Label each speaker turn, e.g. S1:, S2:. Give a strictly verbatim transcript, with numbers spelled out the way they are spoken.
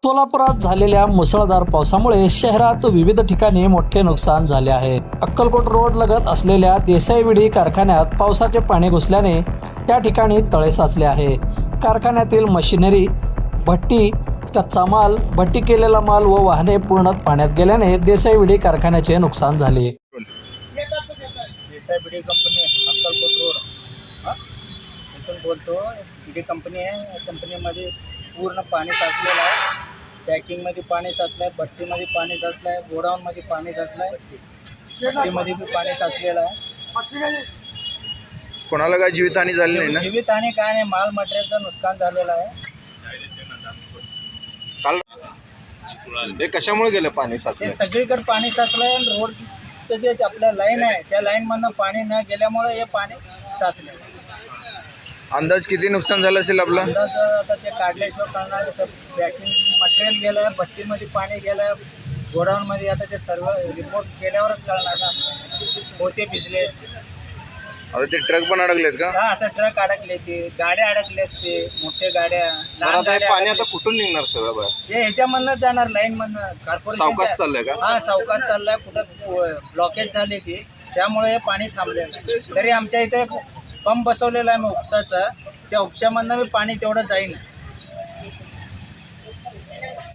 S1: सोलापुरात झालेल्या मुसळधार पावसामुळे शहरात विविध ठिकाणी मोठे नुकसान झाले आहे। अक्कलकोट रोड लगत असलेल्या देसाई विडी कारखान्यात पावसाचे पाणी घुसल्याने त्या ठिकाणी तळे साचले आहे। कारखान्यातील मशिनरी, भट्टी, कच्चा माल, भट्टी केलेला माल व वाहने पूर्ण पाण्यात गेल्याने देसाई विडी कारखान्याचे नुकसान झाले।
S2: देसाई बिडी कंपनी अक्कलकोट रोड हां इथून बोलतो। बिडी कंपनी आहे। या कंपनीमध्ये पूर्ण पाणी साचलेलं आहे। पॅकिंगमध्ये पाणी साचलं आहे, भट्टीमध्ये पाणी साचलं आहे, गोडाऊनमध्ये पाणी साचलं आहे, भट्टीमध्ये बी पाणी साचलेलं आहे।
S3: कोणाला काय जीवितहानी झाली नाही ना?
S2: जीवितहानी काय नाही, माल मटेरियलचं नुकसान झालेलं आहे।
S3: काल हे कशामुळे गेलं पाणी
S2: ते
S3: साचलं?
S2: सगळीकडे पाणी साचलं आहे। रोडचं जे आपल्या लाईन आहे त्या लाईनमधनं पाणी न गेल्यामुळे हे पाणी साचलं आहे।
S3: अंदाज किती नुकसान झालं असेल आपलं?
S2: अंदाज आता ते काढल्याशिवाय कळणार। जसं पॅकिंग मटेरियल गेलं आहे, भट्टीमध्ये पाणी गेलं आहे, गोडाऊनमध्ये आता ते सर्व रिपोर्ट केल्यावरच कळणार ना। होते भिजले,
S3: आता ते ट्रक पण अडकलेत का?
S2: हा असं ट्रक अडकले, ते गाड्या अडकल्यात, ते मोठ्या गाड्या, लहान गाड्या
S3: पाणी आता
S2: अडकल्या.
S3: कुठून निघणार सगळं बाहेर?
S2: हे ह्याच्यामधनं जाणार लाईनमधनं, कॉर्पोरेशन
S3: सावकाश चाललंय का?
S2: हा सावकाश चाललाय। कुठं ब्लॉकेज झाले की त्यामुळे हे पाणी थांबलेलं आहे। तरी आमच्या इथे पंप बसवलेला आहे मी उपसाचा, त्या उपशामधनं मी पाणी तेवढं जाईन।